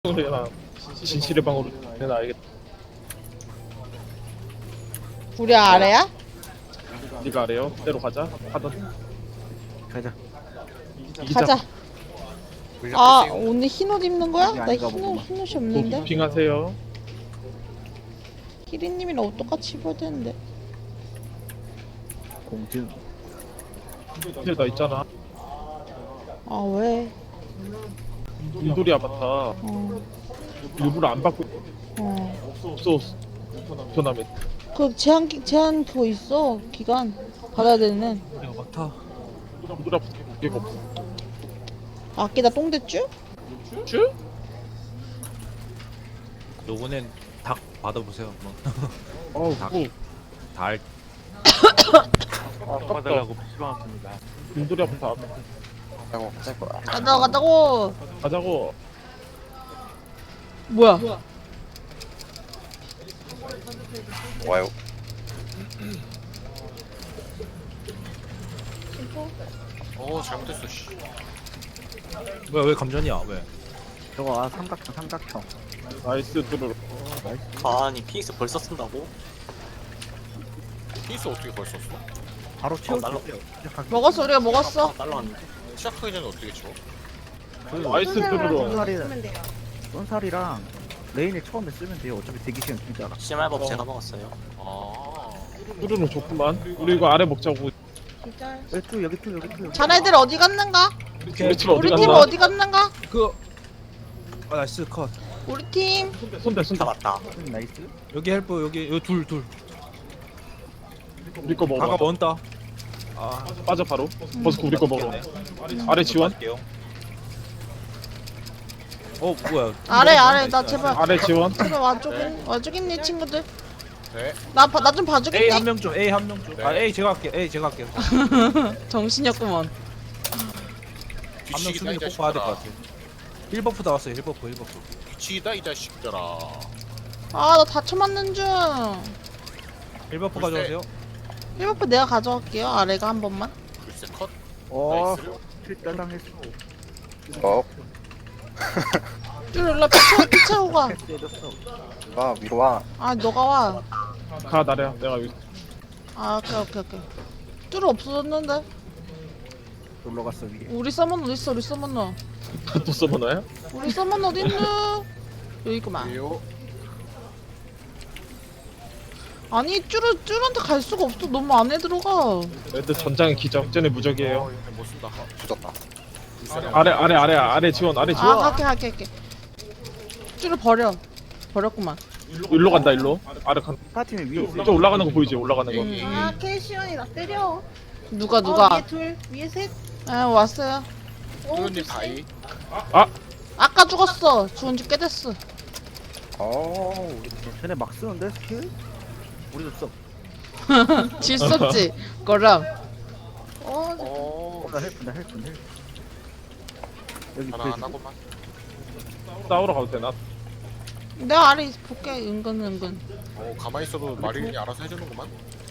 내가 진실의 방으로 내가 알겠다. 우리 아래야? 네가 아래요. 그대로 가자. 하던 가자. 이기자. 가자. 아 오늘 흰옷 입는 거야? 나 아닌가 흰옷 보구만. 흰옷이 없는데. 도핑하세요. 희리님이랑 옷 똑같이 입어야 되는데. 공증. 이제 나 있잖아. 아 왜? 인돌이 아바타 어. 일부러 안 받고 어. 없어. 변함에 그 제한 그거 있어 기간 받아야 되는. 야 막타. 인돌이 아바타 무게가 없어. 아끼다 똥 됐쥬? 쭈? 요번엔 닭 받아보세요 한번. 어우 닭. 뭐 달 아깝다. 받으려고 PC방왔습니다. 인돌이 아바타 가자고. 가자고. 뭐야? 와요. 잘못했어. 씨. 뭐야 왜 감전이야 왜? 저거 삼각형. 나이스 뚜루루. 아니 피닉스 벌써 쓴다고? 피스 어떻게 벌써 썼어? 바로 날라- 채워주세요. 먹었어 우리가 먹었어. 날라왔는데. 시작하기 전에 어떻게 쳐? 나이스 뚜루루. 쏜살이랑 레인을 처음에 쓰면 돼요. 어차피 대기 시간 길잖아. CMR법 제가 먹었어요. 아. 뚜루루 좋구만. 우리 이거 아래 먹자고. 여기 또 여기. 자네들 어디 갔는가? 우리 팀 어디 우리 팀 갔나? 어디 갔는가? 나이스 컷. 우리 팀. 손대 손대. 잡았다. 나이스. 여기 헬프 여기 둘. 우리 거 가가 먹어. 먼다. 아 빠져 바로. 버스코 우리 거 먹어. 맞겠네. 아래 지원. 갈게요. 뭐야? 아래 나 제발. 아래 지원. 제발 와주겠니 친구들? 네. 나 좀 A 봐주겠니? 한 명 좀. A 한 명 좀. 아 네. A 제가 할게. A 제가 할게요. 정신이 없구먼. 한 명 뒤치기다 수빈이 이 꼭 봐야 될 것 자식들아. 같아. 1버프 나왔어요. 1버프. 뒤치기다 이 자식들아. 아 나 다쳐 맞는 중. 1버프 글쎄. 가져가세요. 1버프 내가 가져갈게요. 아래가 한 번만. 글쎄 컷. 어. 나이스. 필따당했어. 어. 쭈 일로 피 채우고 가. 때렸어. 와 위로 와. 아 너가 와. 가 나래야. 내가 여기. 아 오케이. 쭈 없어졌는데. 놀러 갔어 위에. 우리 서먼 어디 있어? 우리 서먼 너. 또 써보나요? 우리 서먼 어디 있노? 여기 있구만. 왜요? 아니 쭈한테 갈 수가 없어. 너무 안에 들어가. 애들 전장의 기적. 쟤네 무적이에요. 못 쓴다. 조졌다. 아래 지원. 아래 지원. 아 갈게. 쭈를 버렸구만. 일로 간다 일로. 아래 간. 파티는 위에 있어. 저 올라가는 거 보이지? 올라가는 거. 아, 캐시언이 나 때려. 누가 위에 둘, 위에 셋. 아 왔어요. 뚜루님 다이. 아까 죽었어. 죽은 지 꽤 됐어. 쟤네 막 쓰는데 스킬? 우리도 써. 질썼지. 거랑. 어. 나 헬프. 여기 하나 안 하고만. 싸우러 가도 되나? 내가 아래 볼게. 은근. 가만히 있어도 마린이 알아서 해주는구만.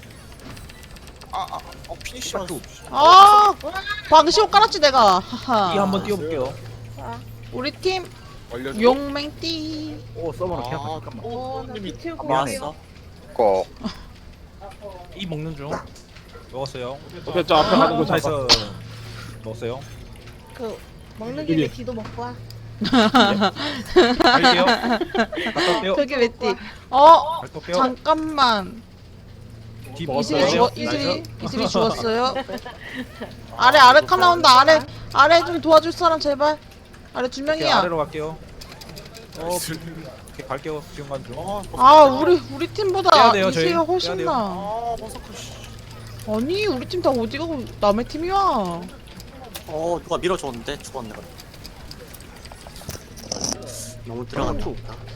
피니시만. 아 방시옷 깔았지 내가. 하하. E 한번 띄워볼게요. 우리 팀 얼려줘. 용맹띠. 오 서버너 그냥 아. 잠깐만. 나 비틀고 미안해. 있어. 왔어. E 먹는 중. 먹었어요. 오케이 저 앞에 가는 거 잘 나이스. 봐. 먹었어요. 그 먹는 여기. 김에 뒤도 먹고 와. 갈게요. 갔다 올게요. 저기 왜 띠? 갔다 올게요. 잠깐만. D 이슬이 먹었어요. 이슬이 죽었어요. 아래 칸 나온다. 아래 좀 도와줄 사람 제발. 아래 두 오케이, 명이야. 아래로 갈게요. 오케이, 갈게요. 지금 간 중. 아 우리 팀보다 빼야 돼요, 저희. 이슬이가 훨씬 빼야 나. 아니 우리 팀 다 어디 가고 남의 팀이야. 누가 밀어줬는데 죽었네. 너무 들어간다.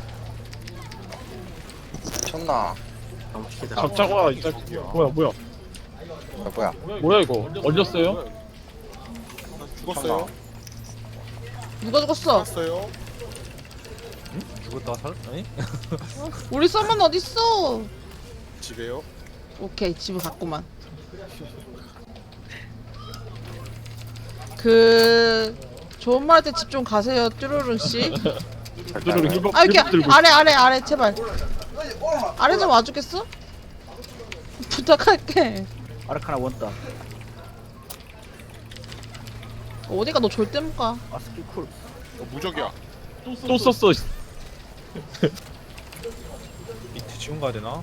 쳤나? 너무 기대다. 잡자고 와. 이제 뭐야 뭐야 이거? 얼렸어요? 죽었어요. 누가 죽었어? 죽었어요. 죽었다 살? 아니? 우리 썸은 어디 있어? 집에요. 오케이 집을 갔구만. 그 좋은 말 할 때 집 좀 가세요 뚜루룬 씨. 두루루 힐법 아 이렇게 힐법 들고 아래 제발. 아래 좀 와주겠어? 부탁할게. 아르카나 원다. 어디가 너 절대 못 가. 아 스킬 쿨. 무적이야. 또 썼어. 밑에 지원 가야 되나?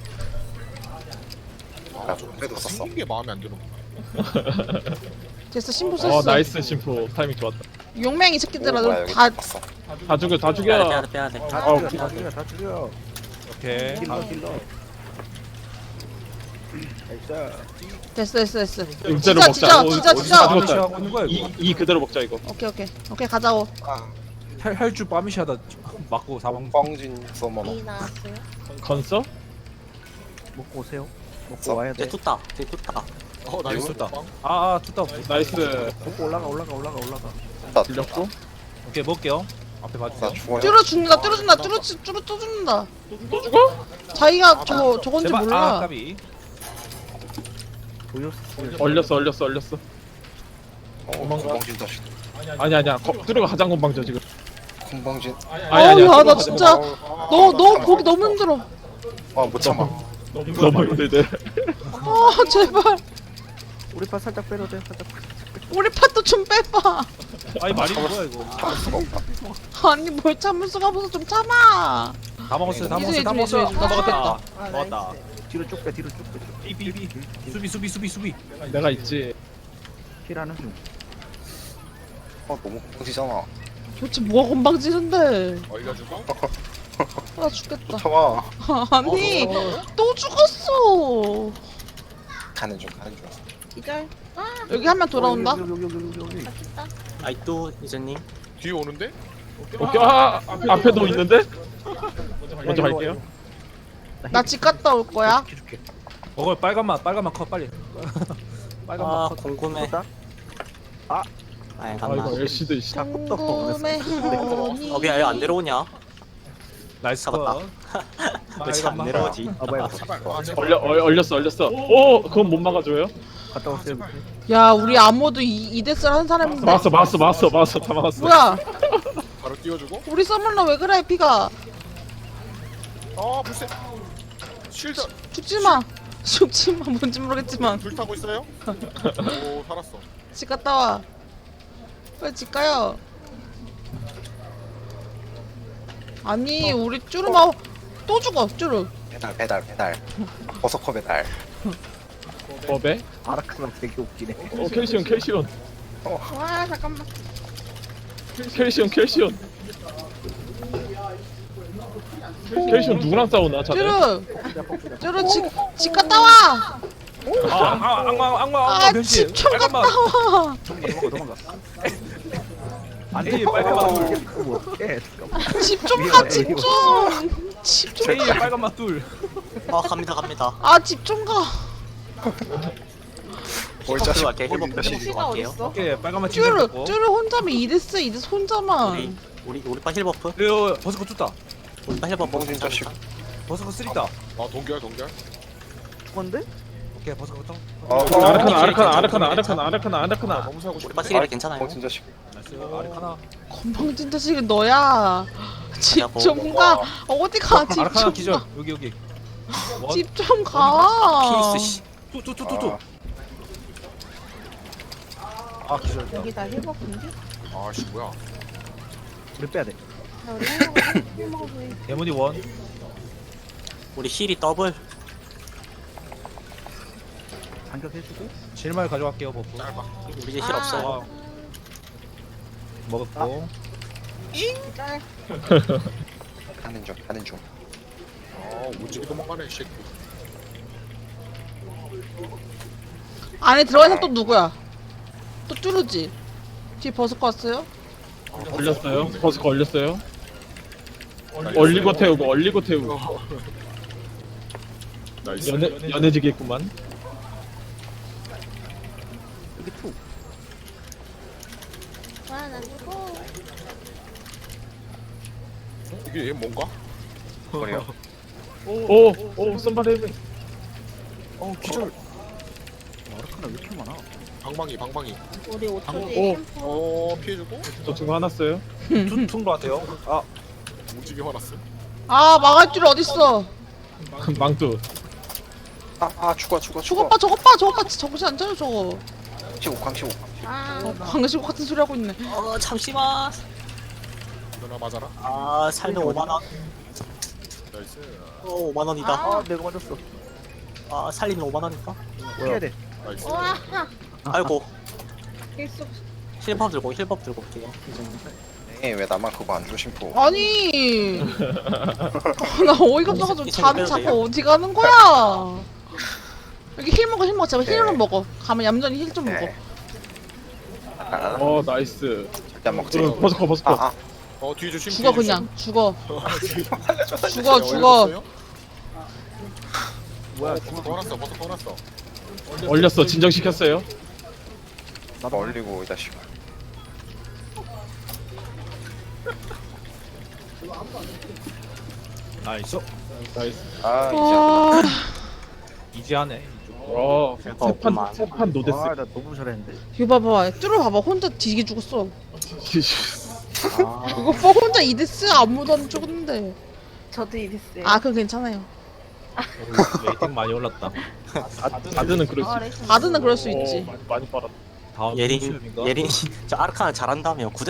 그래도 생긴 게 마음에 안 드는 거. 됐어 신부 썼어. 나이스 심포 타이밍 좋았다. 용맹이 새끼들아 너다 다 죽여 다 빼야 죽여. 돼 빼야 돼. 다 어, 죽여 다 죽여 다 죽여. 오케이. 딜러. 나이스. 됐어. 음자로 진짜, 먹자. 진짜. 다 빠미시 죽었다. 하고 있는 거야 이거. 이 그대로 먹자 이거. 오케이 가자고. 할줄 빠미시 하다 맞고 사망. 뻥진 서머너. 이 나왔어요. 건서? 먹고 오세요. 먹고 와야 돼. 내 tus다. 내 tus다. 나이스. tus다. 아 tus다. 나이스. 먹고 올라가. 들렸고. 오케이 먹을게요. 앞에 나 봐주세요. 죽어요. 뚫어 죽는다. 뚫어 죽는다. 또 죽어? 자기가 저건지 제발. 아 몰라. 까비. 보였어. 얼렸어. 뻥진 자식. 아니야. 뚜루가 가장 건방져 지금. 콩방진. 아니야. 나 뚜루가 진짜 너 거기 너무 힘들어. 아못 참아. 너무 힘들대. 아 제발 우리 파 살짝 빼도 돼. 살짝. 우리 팥도 좀 빼봐. 아니 말이 뭐야 이거. 참을 수가 없다. 아니 뭘 참을 수가 없어서 좀 참아. 다 먹었어요. 다 이제, 먹었어요. 이제, 다 이제, 먹었다. 아, 먹었다. 나이스. 뒤로 쭉 빼. 삐삐삐. 수비. 내가 있지. 힐하는 중. 너무 뻥지잖아. 도대체 뭐가 건방지는데. 얼려주고. 나 죽겠다. 참아. 아니 또 죽었어. 가는 중. 기절. 아, 여기 한 명 돌아온다. 여기. 맛있다. 아이또 이제님. 뒤에 오는데? 오케이. 앞에도 있는데? 먼저 갈게요. 나 집 갔다 올 거야. 줄게. 먹을 빨간맛 컷 빨리. 빨간맛 아 컷. 궁금해. 아. 아 아 갔나? 이거 LC도 씨. 궁금해 하니. 어 미안 왜안 내려오냐? 나이스 잡았다. 컷. 왜 잘 안 내려오지? 아 뭐야. 얼렸어. 오 그건 못 막아줘요? 갔다 오세요. 야 우리 아무도 이데스를 한 사람인데. 막았어 다 막았어. 뭐야? 바로 띄워주고. 우리 서물러 왜 그래 피가? 불새. 쉴드. 죽지마. 뭔지 모르겠지만 불 타고 있어요? 오 살았어. 집 갔다 와. 빨리 집 가요. 아니 우리 쭈루마 또 죽어 쭈루. 배달. 버서커 배달. 법에? 아르카나 되게 웃기네. 캘시온. 와, 잠깐만. 캘시온 누구랑 싸우나 자네? 쭈루 집 갔다 와. 악마 변신. 집 좀 갔다 와. 도망가. 안 에이, 돼. 빨간맛. 예. 집 좀 가, 집 좀. 집 좀. 제이의 빨간맛 둘. 아 갑니다. 아, 집 좀 가. 뭘 힐법 자식. 들어갈게. 힐법 자식. 피가 들어갈게요. 어딨어? 오케이 빨간맛 쭈루, 고 쭈루 혼자면 이데스 혼자만. 우리 파 힐버프. 이거 버스커 tus다. 우리 파 힐버프. 뻥진 자식. 버스커 쓰리다. 동결. 죽었는데? 오케이 버스커 tus다. 아르카나. 너무 사고 싶어. 우리 파 쓰리라 괜찮아요. 뻥진 자식. 나이스. 아르카나. 건방진 자식은 너야. 집 뭐. 좀 가. 어디 가, 집 아르카나 좀 기절. 가. 여기. 집 좀 가. 피스 씨. 투. 아 기절. 여기 다 힐버프인데? 아씨 뭐야. 우리 빼야 돼. 나 우리 힐 먹어서 해. 데모니 원. 우리 힐이 더블. 반격해주고. 7말 가져갈게요 버프. 우리 이제 힐 없어요. 아. 먹었고. 기절. 가는 중. 오지게 도망가네 이 새끼. 안에 들어간 사람 또 누구야? 또 쭈루지? 뒤에 버스커 왔어요? 얼렸어요. 버스가 얼렸어요. 얼리고 태우고. 나이스. 연해지겠구만. 여기 투. 와, 나 죽어. 이게 얘 뭔가? 그래요. 오 썸바레. 기절. 아르카나 왜 이렇게 많아? 방방이. 우리 5초 오. 뒤에 템포. 피해주고. 저 친구 하나 써요. 퉁로 같아요. 아 TV 화났음. 아 막을 줄 어딨어. 망뚜. 죽어 저것 봐 저것 봐 저것 봐 정신 안 차려 저거. 광시고 아, 광시고 같은 소리 하고 있네. 잠시만. 누나 맞아라. 아 살면 5만 원. 나이스. 5만 원이다. 아 내가 맞았어. 아 살리면 5만 원이다. 피해야 돼. 나이스. 와, 아이고 계속 힐법 들고 올게요. 왜 나만 그거 안 줘 심포 아니. 나 어이가 없어가지고 이 잠이 빼도 자꾸 돼요? 어디 가는 거야. 여기 힐 먹어 제발 힐 네. 좀 먹어. 가면 얌전히 힐 좀 먹어. 네. 나이스. 절대 안 먹지 버스커. 뒤에 조심. 죽어 그냥 죽어. 죽어 네, 죽어. 뭐야? 버섯 화났어. 버섯 화났어. 얼렸어. 진정시켰어요. 나도 얼리고 이 자식 나이스. 나이스. 아, 이지하네. 없구만. 세판 노데스. 아나 너무 잘했는데. 이거 봐봐 뚫어 봐봐 혼자 뒤지게 죽었어. 아, 이거 뭐 혼자 이데스 아무도 안 죽었는데. 저도 이랬어요. 아 그건 괜찮아요. 레이팅 많이 올랐다. 아드는 그럴 수 있어. 레이튼 바드는 그럴 수 있지. 많이 빨았다. 다음 예린 시험인가? 예린 저 아르카나 잘한다며